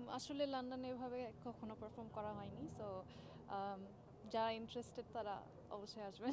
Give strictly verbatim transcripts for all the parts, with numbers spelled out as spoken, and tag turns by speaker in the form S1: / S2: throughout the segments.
S1: আসলে লন্ডনে এভাবে কখনো পারফর্ম করা হয়নি, সো যারা ইন্টারেস্টেড তারা অবশ্যই আসবেন।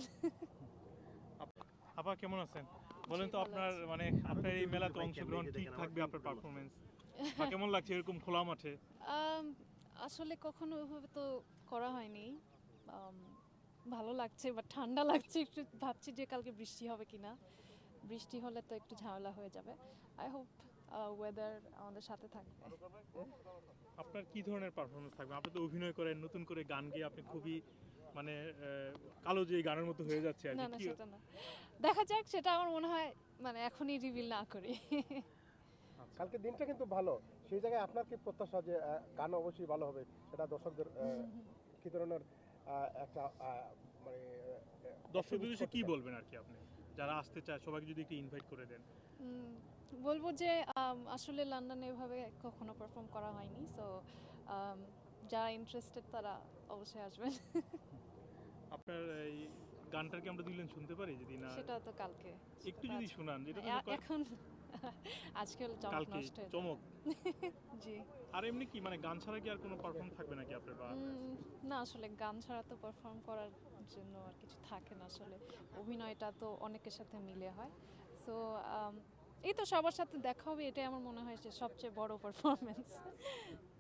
S2: আপা কেমন আছেন?
S1: জি,
S2: বলেন তো
S1: ভালো
S2: আপনার
S1: আছি।
S2: মানে আপনার এই মেলাতে অংশগ্রহণ ঠিক থাকবে আপনার পারফরমেন্স বা কেমন লাগছে এরকম খোলা মাঠে?
S1: আম, আসলে কখনো ওইভাবে তো করা হয়নি। আম, ভালো লাগছে বা ঠান্ডা লাগছে, একটু ভাবছি যে কালকে বৃষ্টি হবে কিনা। বৃষ্টি হলে তো একটু ঝামেলা হয়ে যাবে। আই হোপ ওয়েদার আমাদের সাথে থাকবে।
S2: আপনার কি ধরনের পারফরমেন্স থাকবে? আপনি তো অভিনয় করেন, নতুন করে গান গেয়ে আপনি খুবই মানে আহ, কালো যে গানের মতো হয়ে যাচ্ছে আর
S1: না
S2: কি।
S1: না
S2: কি
S1: সেটা না, দেখা যাক, সেটা আমার মনে হয় মানে এখনই রিভিল না করি।
S3: কালকে দিনটা কিন্তু ভালো, সেই জায়গায় আপনার কি প্রত্যাশা যে আহ, গান অবশ্যই ভালো হবে, সেটা দর্শকদের আহ, কি ধরনের আহ, একটা আহ, মানে আহ,
S2: দর্শকদের
S3: optimistic
S2: উদ্দেশ্যে
S3: করতে
S2: কি
S3: চান?
S2: বলবেন আর কি আপনি? যারা আসতে চায় সবাইকে যদি একটু ইনভাইট করে দেন।
S1: উম, বলবো যে আম, আসলে লন্ডনে এভাবে কখনো পারফর্ম করা হয়নি, সো যারা ইন্টারেস্টেড তারা অবশ্যই আসবেন।
S2: আপনার এই গানটার কি আমরা দিলেন শুনতে পারি যদি না
S1: সেটা তো কালকে, সেটা
S2: একটু
S1: তো
S2: যদি
S1: আজ-
S2: শোনান যেটা তো
S1: এ- এখন আজকাল চমক
S2: কালকে
S1: নষ্ট হয়ে যাবে।
S2: চমক।
S1: জি।
S2: আর এমনি কি মানে গান ছাড়া কি আর কোনো পারফর্ম থাকবে নাকি আপনার বা
S1: উম, না আসলে গান ছাড়া তো পারফর্ম করার জন্য আর কিছু থাকে না আসলে। অভিনয়টা তো অনেকের সাথে মিলে হয়, সো এই তো সবার সাথে দেখা হবে, এটাই আমার মনে হয় যে সবচেয়ে বড় পারফরমেন্স।